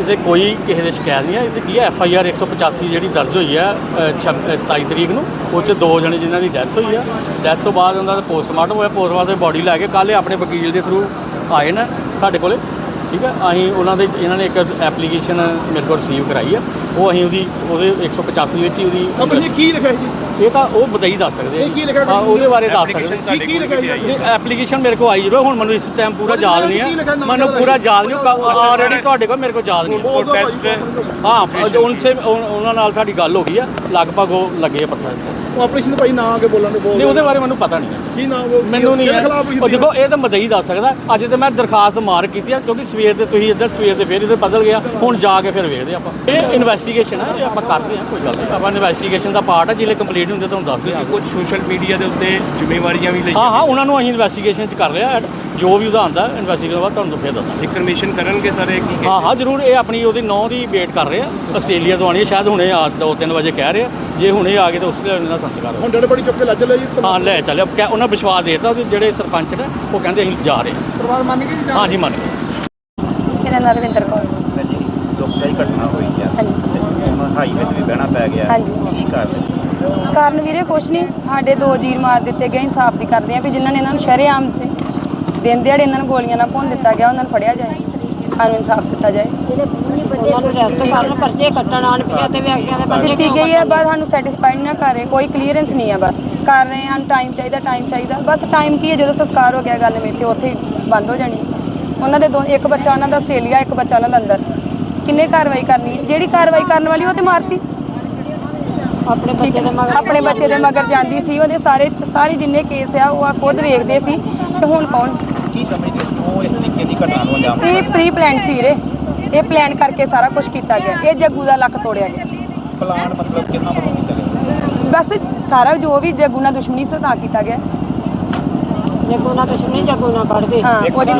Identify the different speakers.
Speaker 1: ਇਹਦੇ ਕੋਈ ਕਿਸੇ ਦੀ ਸ਼ਿਕਾਇਤ ਨਹੀਂ ਹੈ। ਇਹਦੇ ਕੀ ਹੈ FIR 185 ਜਿਹੜੀ ਦਰਜ ਹੋਈ ਹੈ 27 ਤਰੀਕ ਨੂੰ, ਉਹ 'ਚ 2 ਜਣੇ ਜਿਨ੍ਹਾਂ ਦੀ ਡੈਥ ਹੋਈ ਆ। ਡੈਥ ਤੋਂ ਬਾਅਦ ਉਹਨਾਂ ਦਾ ਪੋਸਟਮਾਰਟਮ ਹੋਇਆ। ਪੋਸਟਮਾਰਟਮ ਬੋਡੀ ਲੈ ਕੇ ਕੱਲ੍ਹ ਆਪਣੇ ਵਕੀਲ ਦੇ ਥਰੂ ਆਏ ਨੇ ਸਾਡੇ ਕੋਲ, ਠੀਕ ਹੈ। ਅਸੀਂ ਉਹਨਾਂ ਦੇ ਇਹਨਾਂ ਨੇ ਇੱਕ ਐਪਲੀਕੇਸ਼ਨ ਮੇਰੇ ਕੋਲ ਰਿਸੀਵ ਕਰਾਈ ਆ, ਉਹ ਅਸੀਂ ਉਹਦੇ 185 ਵਿੱਚ ਹੀ ਉਹਦੀ
Speaker 2: ਕੀ ਲਿਖਿਆ ਜੀ?
Speaker 1: ਇਹ ਤਾਂ ਉਹ ਬਤਾਈ ਦੱਸ ਸਕਦੇ ਆ, ਉਹਦੇ ਬਾਰੇ ਦੱਸ ਸਕਦੇ।
Speaker 2: ਕੀ ਲਿਖਿਆ?
Speaker 1: ਐਪਲੀਕੇਸ਼ਨ ਮੇਰੇ ਕੋਲ ਆਈ ਜਦੋਂ, ਹੁਣ ਮੈਨੂੰ ਇਸ ਟਾਈਮ ਪੂਰਾ ਯਾਦ ਨਹੀਂ ਹੈ, ਮੈਨੂੰ ਪੂਰਾ ਯਾਦ ਨਹੀਂ। ਆਲਰੇਡੀ ਤੁਹਾਡੇ ਕੋਲ ਮੇਰੇ ਕੋਲ ਯਾਦ ਨਹੀਂ। ਹਾਂ, ਉਹਨਾਂ ਨਾਲ ਸਾਡੀ ਗੱਲ ਹੋ ਗਈ ਆ, ਲਗਭਗ ਉਹ ਲੱਗੇ ਆ ਪਰਸੈਂਟ।
Speaker 2: ਉਹ ਆਪਰੇਸ਼ਨ ਭਾਈ ਨਾ ਆ ਕੇ ਬੋਲਣ ਦੇ
Speaker 1: ਨਹੀਂ, ਉਹਦੇ ਬਾਰੇ ਮੈਨੂੰ ਪਤਾ ਨਹੀਂ ਹੈ।
Speaker 2: ਕੀ ਨਾਮ
Speaker 1: ਮੈਨੂੰ ਨਹੀਂ ਹੈ। ਉਹ ਦੇਖੋ, ਇਹ ਤਾਂ ਮਦਈ ਦੱਸ ਸਕਦਾ। ਅੱਜ ਤੇ ਮੈਂ ਦਰਖਾਸਤ ਮਾਰ ਕੀਤੀ ਆ, ਕਿਉਂਕਿ ਸਵੇਰ ਦੇ ਤੁਸੀਂ ਇੱਧਰ ਸਵੇਰ ਦੇ ਫਿਰ ਇੱਧਰ ਬਦਲ ਗਿਆ। ਹੁਣ ਜਾ ਕੇ ਫਿਰ ਵੇਖਦੇ ਆਪਾਂ। ਇਹ ਇਨਵੈਸਟੀਗੇਸ਼ਨ ਹੈ, ਇਹ ਆਪਾਂ ਕਰਦੇ ਹਾਂ, ਕੋਈ ਗੱਲ ਨਹੀਂ। ਆਪਾਂ ਇਨਵੈਸਟੀਗੇਸ਼ਨ ਦਾ ਪਾਰਟ ਹੈ, ਜਿਹੜੇ ਕੰਪਲੀਟ ਹੁੰਦੇ ਤੁਹਾਨੂੰ ਦੱਸ ਦਿਆਂ।
Speaker 3: ਕੁਝ ਸੋਸ਼ਲ ਮੀਡੀਆ ਦੇ ਉੱਤੇ ਜ਼ਿੰਮੇਵਾਰੀਆਂ ਵੀ ਲਈ।
Speaker 1: ਹਾਂ, ਉਹਨਾਂ ਨੂੰ ਅਸੀਂ ਇਨਵੈਸਟੀਗੇਸ਼ਨ 'ਚ ਕਰ ਰਹੇ ਹਾਂ। ਜੋ ਵੀ ਉਹਦਾ ਆਉਂਦਾ ਇਨਵੈਸਟੀਗੇਸ਼ਨ ਬਾਅਦ ਤੁਹਾਨੂੰ ਫਿਰ ਦੱਸਾਂਗੇ।
Speaker 3: ਇਨਫੋਰਮੇਸ਼ਨ ਕਰਨਗੇ ਸਾਰੇ ਕੀ?
Speaker 1: ਹਾਂ, ਜ਼ਰੂਰ। ਇਹ ਆਪਣੀ ਉਹਦੀ 9 ਦੀ ਵੇਟ ਕਰ ਰਹੇ ਆ, ਆਸਟ੍ਰੇਲੀਆ ਤੋਂ ਆਉਣੀ ਹੈ, ਸ਼ਾਇਦ ਹੁਣੇ 2-3 ਵਜੇ ਕਹਿ ਰਹੇ ਆ। ਜੇ ਹੁਣੇ ਆ ਗਏ ਤਾਂ ਉਸ ਵੇਲੇ ਦਾ ਸੰਸਕਾਰ
Speaker 2: ਹੁਣ ਡੇਢ ਬੜੀ ਚੁੱਕ ਕੇ ਲੈ ਚੱਲੇ ਜੀ?
Speaker 1: ਹਾਂ, ਲੈ ਚੱਲਿਆ। ਉਹਨਾਂ ਵਿਸ਼ਵਾਸ ਦੇਤਾ ਕਿ ਜਿਹੜੇ ਸਰਪੰਚ ਨੇ ਉਹ ਕਹਿੰਦੇ ਅਸੀਂ ਜਾ ਰਹੇ ਹਾਂ।
Speaker 2: ਪਰਿਵਾਰ ਮੰਨ ਗਏ ਜੀ?
Speaker 1: ਹਾਂ ਜੀ, ਮੰਨ ਗਏ।
Speaker 4: ਮੇਰਾ ਨਾਮ ਰਵਿੰਦਰ ਕੌਰ।
Speaker 5: ਜੀ ਦੁਖਦਾਈ ਘਟਨਾ ਹੋਈ ਆ।
Speaker 4: ਹਾਂਜੀ।
Speaker 5: ਹੁਣ ਹਾਈਵੇ ਤੇ ਵੀ ਬਹਿਣਾ ਪੈ ਗਿਆ।
Speaker 4: ਹਾਂਜੀ।
Speaker 5: ਕੀ ਕਰਦੇ?
Speaker 4: ਕਾਰਨ ਵੀਰੇ ਕੁਛ ਨਹੀਂ, ਸਾਡੇ 2 ਜੀਰ ਮਾਰ ਦਿੱਤੇ ਗਏ। ਇਨਸਾਫ ਦੀ ਕਰਦੇ ਆ ਵੀ ਜਿਨ੍ਹਾਂ ਨੇ ਇਹਨਾਂ ਨੂੰ ਸ਼ਰੇਆਮ ਤੇ ਦਿਨ ਦਿਹਾੜੇ ਇਹਨਾਂ ਨੂੰ ਗੋਲੀਆਂ ਨਾਲ ਭੁੰਨ ਦਿੱਤਾ ਗਿਆ, ਉਹਨਾਂ ਨੂੰ ਫੜਿਆ ਜਾਏ, ਸਾਨੂੰ ਇਨਸਾਫ ਦਿੱਤਾ ਜਾਏ।
Speaker 6: ਉਹਨਾਂ ਨੂੰ ਰੈਸਟ ਕਰਨ, ਪਰਚੇ ਕੱਟਣ ਆਣ ਪਿਛੇ ਤੇ ਵਿਅਕਤੀਆਂ ਦੇ ਪਰਚੇ
Speaker 4: ਦਿੱਤੀ ਗਈ ਹੈ, ਬਸ ਸਾਨੂੰ ਸੈਟੀਸਫਾਈਡ ਨਾ ਕਰ ਰਹੇ, ਕੋਈ ਕਲੀਅਰੈਂਸ ਨਹੀਂ ਹੈ। ਬਸ ਕਰ ਰਹੇ ਹਾਂ, ਟਾਈਮ ਚਾਹੀਦਾ। ਬਸ ਟਾਈਮ ਕੀ ਹੈ, ਜਦੋਂ ਸੰਸਕਾਰ ਹੋ ਗਿਆ ਗੱਲ ਮੇਥੇ ਉੱਥੇ ਹੀ ਬੰਦ ਹੋ ਜਾਣੀ। ਉਹਨਾਂ ਦੇ ਇੱਕ ਬੱਚਾ ਉਹਨਾਂ ਦਾ ਆਸਟ੍ਰੇਲੀਆ, ਇੱਕ ਬੱਚਾ ਉਹਨਾਂ ਦਾ ਅੰਦਰ। ਕਿੰਨੇ ਕਾਰਵਾਈ ਕਰਨੀ ਹੈ? ਜਿਹੜੀ ਕਾਰਵਾਈ ਕਰਨ ਵਾਲੀ ਉਹ ਤੇ ਮਾਰਤੀ। ਆਪਣੇ ਬੱਚੇ ਦੇ ਮਗਰ ਜਾਂਦੀ ਸੀ। ਉਹਦੇ ਸਾਰੇ ਜਿੰਨੇ ਕੇਸ ਆ ਉਹ ਖੁਦ ਵੇਖਦੇ ਸੀ। ਤੇ ਹੁਣ ਕੌਣ?
Speaker 5: ਕੀ ਸਮਝਦੇ ਕਿਉਂ ਇਸ ਤਰੀਕੇ ਦੀ ਘਟਨਾ ਨੂੰ ਅੰਜਾਮ?
Speaker 4: ਇਹ ਪ੍ਰੀ ਪਲਾਨ ਸੀ ਵੀਰੇ, ਇਹ ਪਲਾਨ ਕਰਕੇ ਸਾਰਾ ਕੁਝ ਕੀਤਾ ਗਿਆ। ਇਹ ਜੱਗੂ ਦਾ ਲੱਕ ਤੋੜਿਆ ਗਿਆ।
Speaker 5: ਪਲਾਨ ਮਤਲਬ ਕਿੰਨਾ ਬਣਾ ਕੀਤਾ ਗਿਆ?
Speaker 4: ਬਸ ਸਾਰਾ ਜੋ ਵੀ ਜੱਗੂ ਨਾਲ ਦੁਸ਼ਮਣੀ ਸੀ ਤਾਂ ਕੀਤਾ ਗਿਆ।
Speaker 6: ਜੱਗੂ ਨਾਲ ਦੁਸ਼ਮਣੀ, ਜੱਗੂ ਨਾਲ ਕੱਢ ਦੇ।
Speaker 4: ਹਾਂ, ਉਹਦੀ